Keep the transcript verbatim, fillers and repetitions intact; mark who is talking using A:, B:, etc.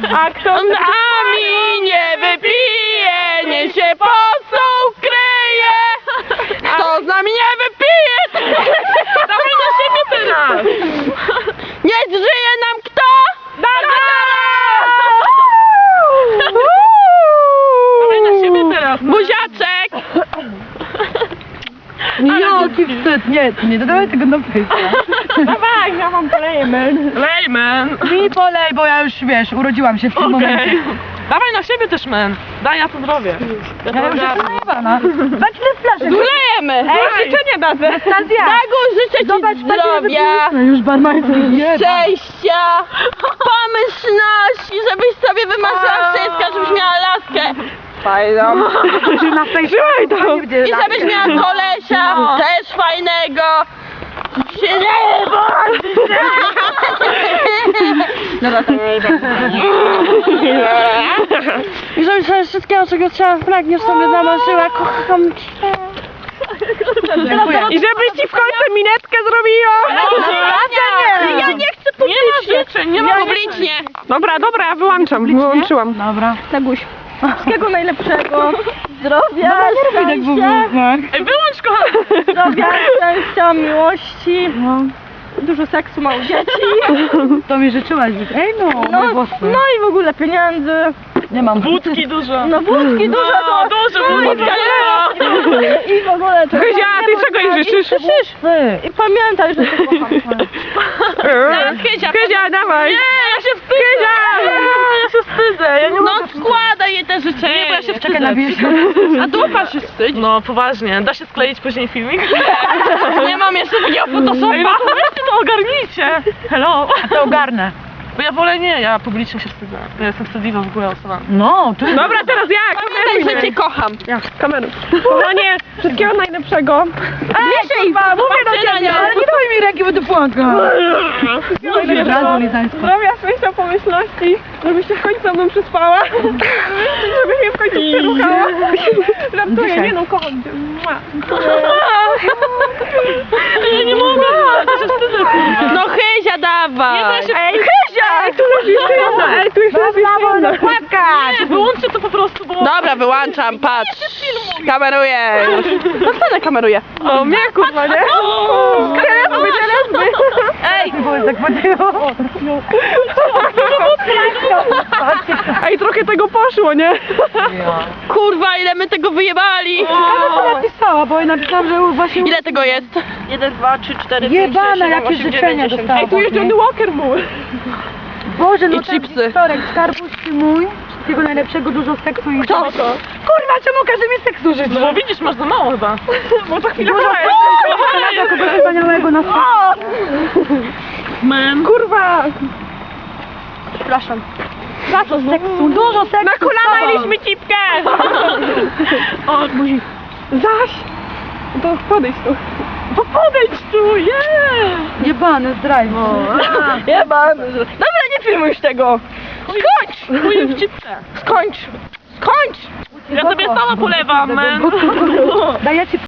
A: A kto z nami nie wypije, nie się posą kryje. Kto z nami nie wypije, dawaj na siebie teraz. Nie zżyje nam kto? Dara! Dawaj na siebie teraz. Buziaczek.
B: Jaki wstyd, nie, nie dodawaj tego do pyska.
A: Dawaj, ja mam lejmen. Lejmen.
B: Mi polej, bo ja już, wiesz, urodziłam się w tym
A: Okej.
B: momencie.
A: Dawaj na siebie też, men. Daj, ja to zrobię. Ja
B: Ja już jestem najebana. Patrz ile flaszek.
A: Zulejemy.
B: Ej,
A: życzenie dadzę.
B: Anastazja.
A: Dagu, życzę ci
B: Zobacz,
A: zdrowia,
B: No już barmańcy jeba.
A: szczęścia, pomyślności, żebyś sobie wymarzyła wszystko, żebyś miała laskę. Fajną.
B: Na Trzymaj to.
A: I żebyś miała kolesia, też fajnego. Się nie bądź! Dobra, to nie idę. I żebyś sobie wszystkiego, czego chciała, pragniesz, sobie namarzyła. Kocham cię.
B: Dziękuję.
A: I żebyś ci w końcu minetkę zrobiła!
B: nie.
A: Ja nie chcę publicznie! Nie ma publicznie! Dobra, dobra, ja wyłączam, wyłączyłam.
B: Dobra.
A: Taguś. Wszystkiego najlepszego. Zdrowia,
B: No, nie robię tak w ogóle.
A: Ej, wyłącz kochana! Zdrowia, szczęścia, miłości.
B: No.
A: Dużo seksu, mało dzieci.
B: To mi życzyłaś. Ej no,
A: No,
B: mój włosy.
A: no i w ogóle pieniędzy.
B: Nie mam.
A: Wódki dużo. No wódki dużo, to dużo wódka, nie? I w ogóle to...
C: Kryzia, a ty czego jej życzysz?
B: Ty.
A: I pamiętaj, że to kocham. Kryzia,
C: Kryzia, dawaj!
A: Nie, ja się wstydzę! Ja się wstydzę! Ja nie no składaj jej te życzenia! Nie, bo ja się
B: Czekaj na wieś.
A: A dupa się wstydzi? No poważnie, da się skleić później filmik? Nie mam jeszcze takiego photoshopa! Ej, no to weźcie to ogarnijcie! Hello!
B: To ogarnę.
A: Bo ja wolę nie, ja publicznie się wstydzę. Ja jestem wstydliwa w ogóle osoba.
B: No, ty.
C: Dobra, teraz ja!
A: Pamiętaj, że cię kocham!
C: Kameruj. Kochanie, wszystkiego najlepszego.
A: Ej, kurwa, mówię do ciebie!
B: Ale nie daj mi ręki, bo ty płaka. Od razu lizańsko.
C: Zdrowia, szczęścia, pomyślności, żebyś się w końcu ze mną przyspała. Żebyś mnie w końcu przeruchała. Żartuję,
B: Dzisiaj.
C: nie no, kocham cię. Mua.
A: Ja nie mogę! Ja się wstydzę, kurwa. No Hyzia, dawaj!
C: Ej, Kryzia! Ej, tu jest jeszcze jedna, ej, tu jest jeszcze jedna.
A: Nie, wyłączcie to po prostu, bo... Dobra, wyłączam, patrz. Kameruję już. No kto nie kameruje?
C: No mnie, kurwa, nie? Telesby, telesby.
A: Ej!
B: Bo tak podjęło.
C: Ej, trochę tego poszło, nie?
A: Kurwa, ile my tego wyjebali!
B: Co napisała, bo napisałam, że właśnie...
A: Ile tego jest?
C: jeden, dwa, trzy, cztery,
B: Jebane, jakie życzenia dostałam.
C: Ej, tu jest Johnny Walker mój.
B: Boże, no
A: I
B: ten
A: chipsy.
B: Wtorek, skarbuszki mój. Wszystkiego najlepszego, dużo seksu i...
A: Kto?
B: Kurwa, czemu każdy mi seksu życzy?
A: No bo widzisz, masz za mało chyba.
C: Bo to chwilę
B: Dużo seksu, kogoś wspaniałego na świecie.
A: Man.
C: Kurwa!
A: Przepraszam.
B: Za co seksu? Dużo seksu.
C: Na kolana mieliśmy cipkę! O, musi. Zaś! To podejdź tu. To podejdź tu, yeah!
B: Jebany zdrajcy.
A: Jebany. Dobra, nie filmuj już tego. Skończ! Chuj w cipce. Skończ. Skończ! Ja sobie sama polewam, man.
B: Daję ci